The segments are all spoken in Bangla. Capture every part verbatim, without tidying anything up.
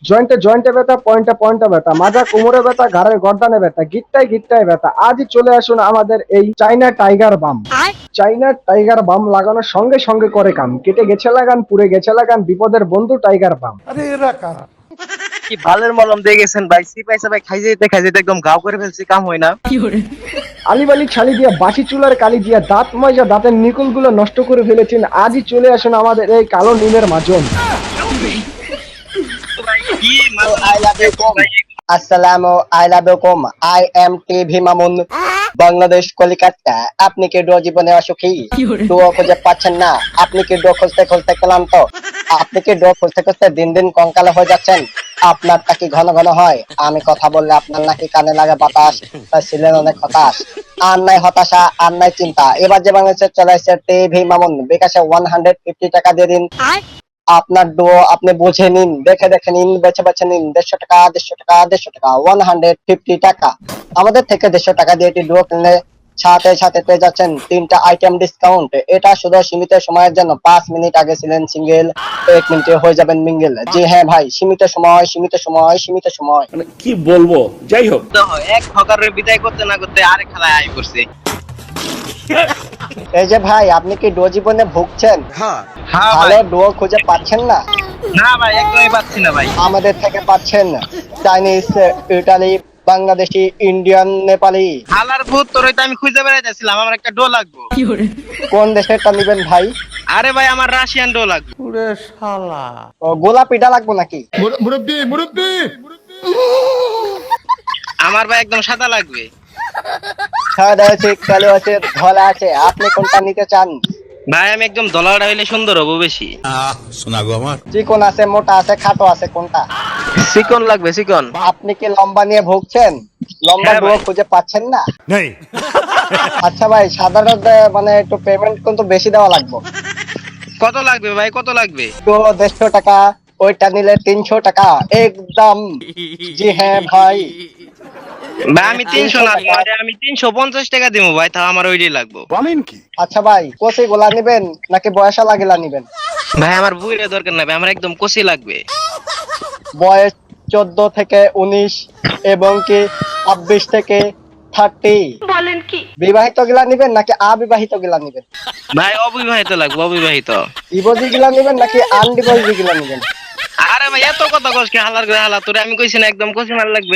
জয়েন্টে জয়েন্টে ব্যথা, পয়েন্টে পয়েন্টে ব্যথা, মাজা কোমরে ব্যথা, ঘাড়ের গর্দানে ব্যথা, গিট্টায় গিট্টায় ব্যথা। আজই চলে আসুন আমাদের এই চাইনা টাইগার বাম। চাইনা টাইগার বাম লাগানোর সঙ্গে সঙ্গে করে কাম। কেটে গেছে লাগান, পুড়ে গেছে লাগান, বিপদের বন্ধু টাইগার বাম। কি ভালের মলম দিয়ে গেছেন ভাই, সিপাই সাপাই খাই যেতে খাই যেতে একদম গাও করে ফেলছি, কাম হয় না। আলিবালি ছালি দিয়া, বাসি চুলার কালি দিয়া, দাঁত ময়জা দাঁতের নিকুল গুলো নষ্ট করে ফেলেছেন। আজই চলে আসুন আমাদের এই কালো নিমের মাজন। কি I love you কম। আসসালামু আলাইকুম। I am TV Mamun, Bangladesh Kolkata. আপনি কি ডো জীবনে অসুখী? ডো খুঁজে পাচ্ছেন না? আপনি কি ডো খুঁজতে খুঁজতে ক্লান্ত? আপনি কি ডো খুঁজতে খুঁজতে দিন দিন কঙ্কালে হয়ে যাচ্ছেন? আপনারটা কি ঘন ঘন হয়? আমি কথা বললে আপনার নাকি কানে লাগে বাতাস, তাই ছিলেন অনেক হতাশ। আর নাই হতাশা, আর নাই চিন্তা। এবার যে বাংলাদেশে চলে আসছে টিভি মামুন, বিকাশে ওয়ান হান্ড্রেড ফিফটি টাকা দিয়ে দিন। আপনার ডো আপনি বুঝে নিন, দেখে দেখে নিন, বেছে বেছে নিন। দেড়শো টাকা, দেড়শো টাকা, দেড়শো টাকা, ওয়ান হান্ড্রেড ফিফটি টাকা। আমাদের থেকে দেড়শো টাকা দিয়ে এটি ডো কিনলে সাথে সাথে পেয়ে যাচ্ছেন তিনটা আইটেম ডিসকাউন্ট। এটা শুধু সীমিত সময়ের জন্য। পাঁচ মিনিট আগে ছিলেন সিঙ্গেল, এক মিনিটে হয়ে যাবেন মিঙ্গেল। জি হ্যাঁ ভাই, সীমিত সময়, সীমিত সময়, সীমিত সময়। মানে কি বলবো, যাই হোক। এক হকারের বিদায় করতে না করতে আরেক খেলায় আই করছে। এই যে ভাই, আপনি কি ডো জীবনে ভুগছেন? হ্যাঁ ভালো ভাই। ডো খুঁজে পাচ্ছেন না? না ভাই, একদমই পাচ্ছি না ভাই। আমাদের থেকে পাচ্ছেন Chinese, Italy, Bangladeshi, Indian, Nepali. হালার ভূত, তোরই তো আমি খুঁজে বেড়াইতেছিলাম, আমার একটা ডো লাগবো। কোন দেশেরটা নিবেন ভাই? আরে ভাই, আমার রাশিয়ান ডো লাগবে। ও, গোলাপিটা লাগবো নাকি? আমার ভাই একদম সাদা লাগবে। সাদা আছে, কালো আছে, ধলা আছে, আপনি কোনটা নিতে চান? ভাই আমি একদম দলাটা হইলে সুন্দর হবো বেশি। চিকন আছে, মোটা আছে, খাটো আছে, কোনটা? চিকন লাগবে, চিকন। আপনি কি লম্বা নিয়ে ভুগছেন? লম্বা হ্যাঁ ডো ভাই। খুঁজে পাচ্ছেন না? আচ্ছা ভাই, সাধারণত মানে একটু পেমেন্ট কিন্তু বেশি দেওয়া লাগবে। কত লাগবে ভাই, কত লাগবে? তো দেড়শো টাকা, ওইটা নিলে তিনশো টাকা একদম। জি হ্যাঁ ভাই। ভাই আমি তিনশো না, তোমারে আমি তিনশো পঞ্চাশ টাকা দিব ভাই, তাও আমার ওইটাই লাগবে। আচ্ছা ভাই, কচি গোলা নিবেন নাকি বয়সা লাগিলা নিবেন? ভাই আমার বুইরে দরকার নাই ভাই, আমার একদম কষি লাগবে। বয়স চোদ্দ থেকে উনিশ এবং কি ছাব্বিশ থেকে থার্টি। বলেন কি? বিবাহিত গিলা নিবেন নাকি অবিবাহিত গিলা নিবেন? ভাই অবিবাহিত লাগবে, অবিবাহিত। ডিভোর্সি গিলা নিবেন নাকি আনডিভোর্সি গিলা নিবেন? আরে ভাই এত কথা কস কি, হালার করে হালা, তোরে আমি কইছি না একদম কষি মাল লাগবে।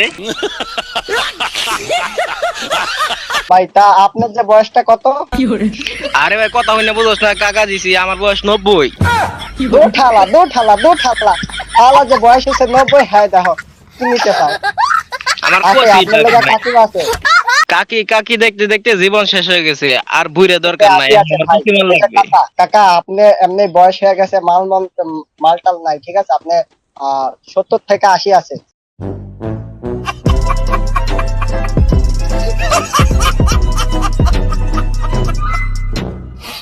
ভাই তা আপনার যে বয়সটা কত? আরে ভাই কথা হইনা বুঝোস না, কাকা দিছি, আমার বয়স নব্বই। দু ঠালা, দু ঠালা, দু ঠালা। আলা যে বয়স হচ্ছে নব্বই, হ্যাঁ দেখো কি নিতে চাও? আমার আছে কষি আপনার লেগে কাকিমা আছে। কাকি কাকি দেখতে দেখতে জীবন শেষ হয়ে গেছে, আর বুইরে দরকার নাই, আছে, আছে আমার ভাই। কষি মাল এটা লাগবে। কাকা, কাকা আপনি এমনি বয়স হয়ে গেছে, মাল মাল মালটাল নাই, ঠিক আছে? আপনি আহ সত্তর থেকে আশি আছে।